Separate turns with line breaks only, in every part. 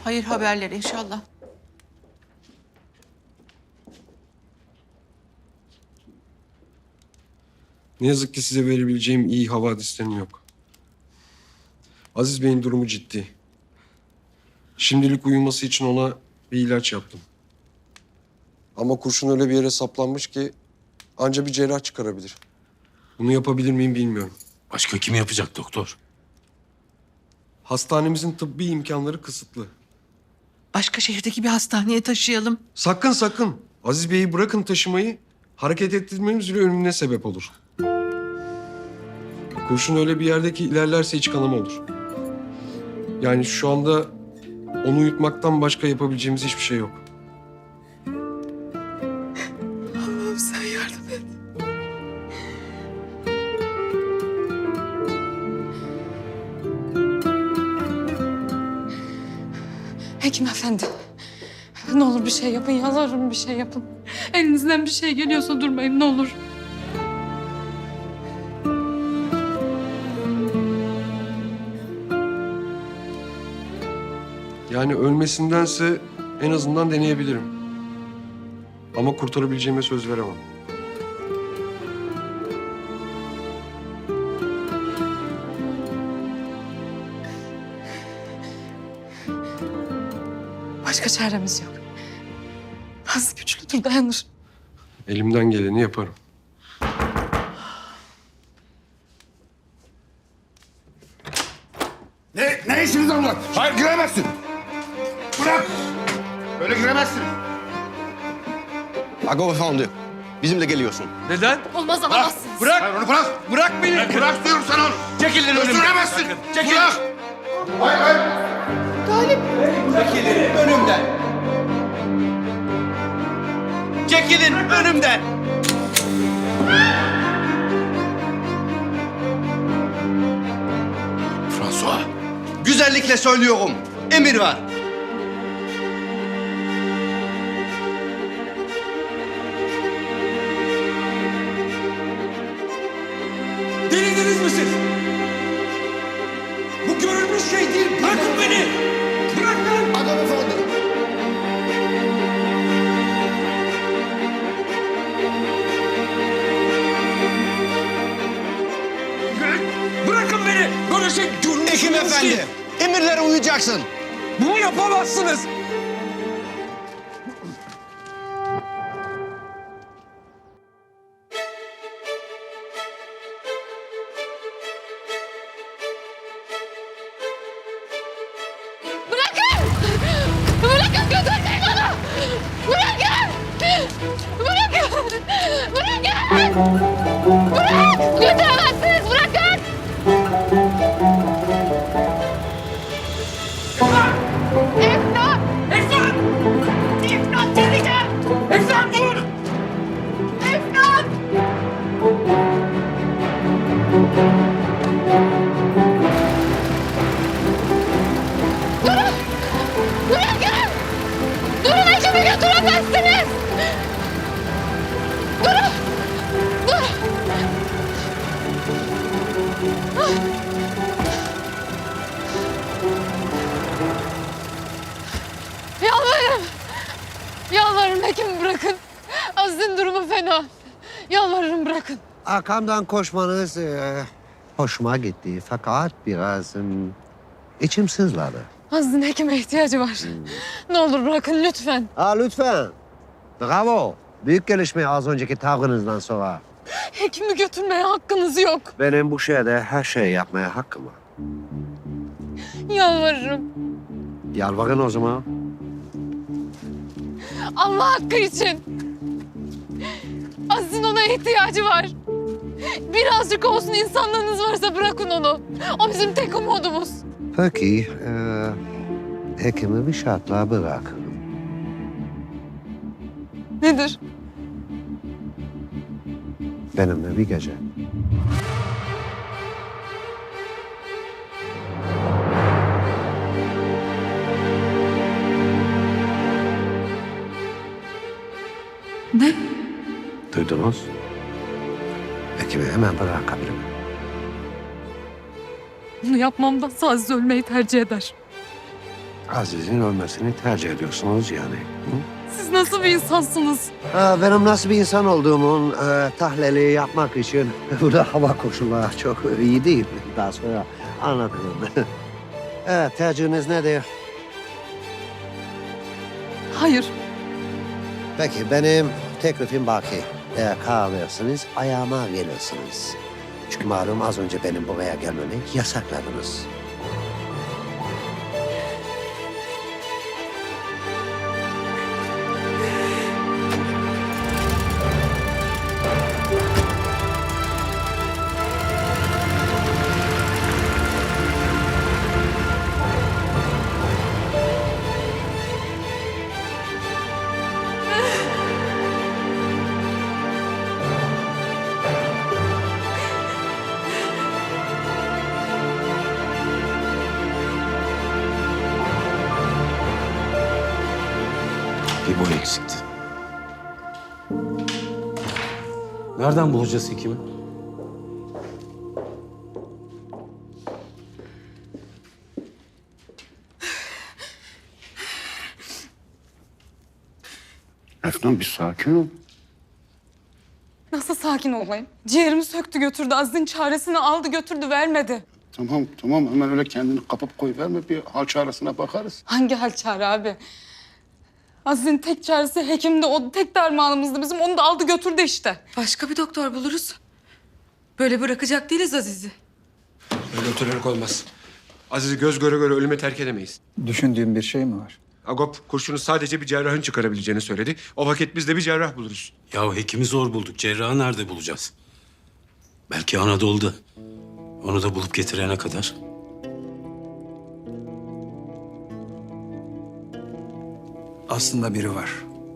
hayır haberler inşallah.
Ne yazık ki size verebileceğim iyi havadislerim yok. Aziz Bey'in durumu ciddi. Şimdilik uyuması için ona bir ilaç yaptım. Ama kurşun öyle bir yere saplanmış ki anca bir cerrah çıkarabilir. Bunu yapabilir miyim bilmiyorum.
Başka kim yapacak doktor?
Hastanemizin tıbbi imkanları kısıtlı.
Başka şehirdeki bir hastaneye taşıyalım.
Sakın sakın. Aziz Bey'i bırakın taşımayı. Hareket ettirmemiz bile ölümüne sebep olur. Kurşun öyle bir yerde ki ilerlerse iç kanama olur. Yani şu anda onu uyutmaktan başka yapabileceğimiz hiçbir şey yok.
Allah'ım sen yardım et.
Hekim efendi. Ne olur bir şey yapın, yalvarırım bir şey yapın. Elinizden bir şey geliyorsa durmayın ne olur.
Yani ölmesindense en azından deneyebilirim. Ama kurtarabileceğime söz veremem.
Başka çaremiz yok. Az güçlüdür, dayanır.
Elimden geleni yaparım.
Ne işiniz var burada? Hayır giremezsin. Bırak. Böyle giremezsin.
Agor efendi, bizimle geliyorsun.
Neden?
Olmaz
Bırak.
alamazsınız.
Bırak. Hayır onu bırak. Bırak beni. Bırak diyorum sana onu. Çekilin önümden. Götüremezsin. Çekil. Bırak. Hayır hayır.
Çekilin önümden. Çekilin önümden.
François.
Güzellikle söylüyorum. Emir var.
Delirdiniz mi siz? Bu görülmüş şey değil. Bırakın beni. Bırakın.
Agor efendi.
Bırakın beni. Böyle şey görülmüş
Hekim
değil.
efendi, emirlere uyacaksın.
Bunu yapamazsınız.
Bırakın! Bırakın götürmeyin onu! Bırakın! Bırakın! Bırakın! Bırak! Götüremezsiniz! Bırakın! İmdat!
Efnan!
İmdat diyeceğim!
Efnan dur!
İmdat! Durun! Bırakın! Durun ekibi götüremezsiniz! Durun! Dur! Yalvarırım! Yalvarırım hekimi bırakın. Aziz'in durumu fena. Yalvarırım bırakın.
Arkamdan koşmanız hoşuma gitti. Fakat biraz içim sızladı.
Aziz'in hekime ihtiyacı var. Ne olur bırakın lütfen.
Lütfen. Bravo. Büyük gelişme az önceki tavrınızdan sonra.
Hekimi götürmeye hakkınız yok.
Benim bu şehirde her şeyi yapmaya hakkım var.
Yalvarırım.
Yalvarın o zaman.
Allah hakkı için. Aziz'in ona ihtiyacı var. Birazcık olsun insanlığınız varsa bırakın onu. O bizim tek umudumuz.
Peki, hekimi bir şartla bırakın.
Nedir?
Benimle bir gece.
Ne?
Duydunuz? Hekimi hemen bırakabilirim.
Bunu yapmamdansa Aziz ölmeyi tercih eder.
Aziz'in ölmesini tercih ediyorsunuz yani. Hı?
Siz nasıl bir insansınız?
Benim nasıl bir insan olduğumun tahlili yapmak için burada hava koşulları çok iyi değil. Daha sonra anlatırım. Evet, tercihiniz nedir?
Hayır.
Peki, benim teklifim baki. Eğer karar verirseniz ayağıma gelirsiniz. Çünkü malum az önce benim buraya gelmemi yasakladınız.
Bir boy eksikti. Nereden bulacağız hekimi?
Efnan bir sakin ol.
Nasıl sakin olayım? Ciğerimi söktü götürdü. Aziz'in çaresini aldı götürdü vermedi.
Tamam hemen öyle kendini kapıp koyuverme, bir hal çaresine bakarız.
Hangi hal çare abi? Aziz'in tek çaresi hekimdi. O tek dermanımızdı bizim. Onu da aldı götürdü işte.
Başka bir doktor buluruz. Böyle bırakacak değiliz Aziz'i.
Öyle oturerek olmaz. Aziz'i göz göre göre ölüme terk edemeyiz.
Düşündüğün bir şey mi var?
Agop kurşunu sadece bir cerrahın çıkarabileceğini söyledi. O vakit biz de bir cerrah buluruz.
Ya hekimi zor bulduk. Cerrahı nerede bulacağız? Belki Anadolu'da. Onu da bulup getirene kadar.
Aslında biri var.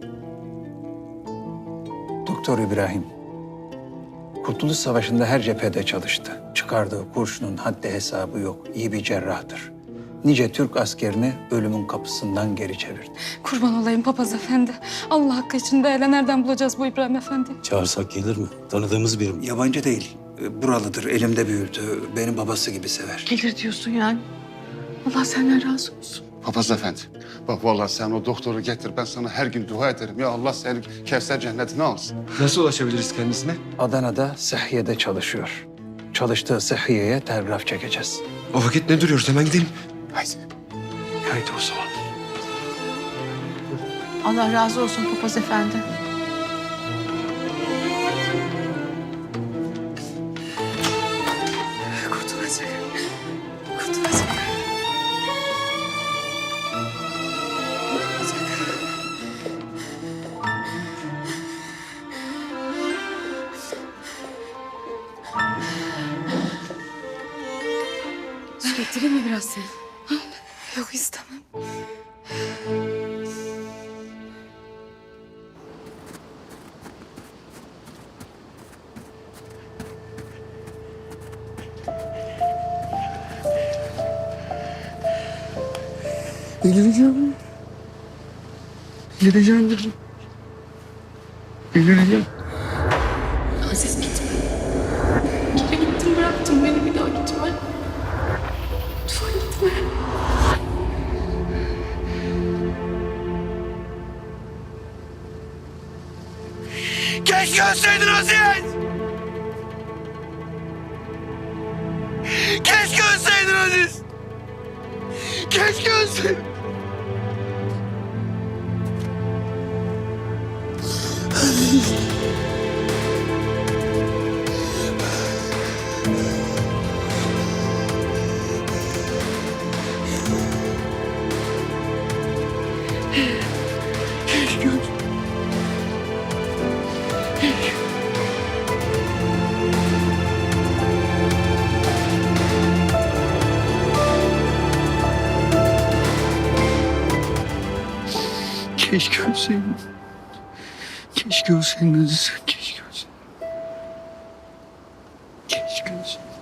Doktor İbrahim. Kurtuluş Savaşı'nda her cephede çalıştı. Çıkardığı kurşunun haddi hesabı yok. İyi bir cerrahtır. Nice Türk askerini ölümün kapısından geri çevirdi.
Kurban olayım papaz efendi. Allah hakkı için de hele nereden bulacağız bu İbrahim efendi?
Çağırsak gelir mi? Tanıdığımız biri mi?
Yabancı değil. Buralıdır. Elimde büyüdü. Benim babası gibi sever.
Gelir diyorsun yani. Allah senden razı olsun.
Papaz efendi, bak vallahi sen o doktoru getir, ben sana her gün dua ederim. Ya Allah seni Kevser cennetine alsın.
Nasıl ulaşabiliriz kendisine?
Adana'da Sıhhiye'de çalışıyor. Çalıştığı Sıhhiye'ye telgraf çekeceğiz.
O vakit ne duruyoruz? Hemen gidelim.
Haydi.
Haydi o zaman.
Allah razı olsun papaz efendi.
Kurtulacak. Kurtulacak. Su getireyim mi biraz seni?
Yok istemem.
Geleceğim. Geleceğim dedim. Geleceğim.
Aziz gitme. Bir kere gittin bıraktın beni, bir daha gitme. Lütfen gitme.
Keşke ölseydin Aziz! Keşke ölseydin Aziz! Keşke ölseydin!
Keşke ölseydin. Keşke ölseydin Aziz. Keşke ölseydin. Keşke ölseydin.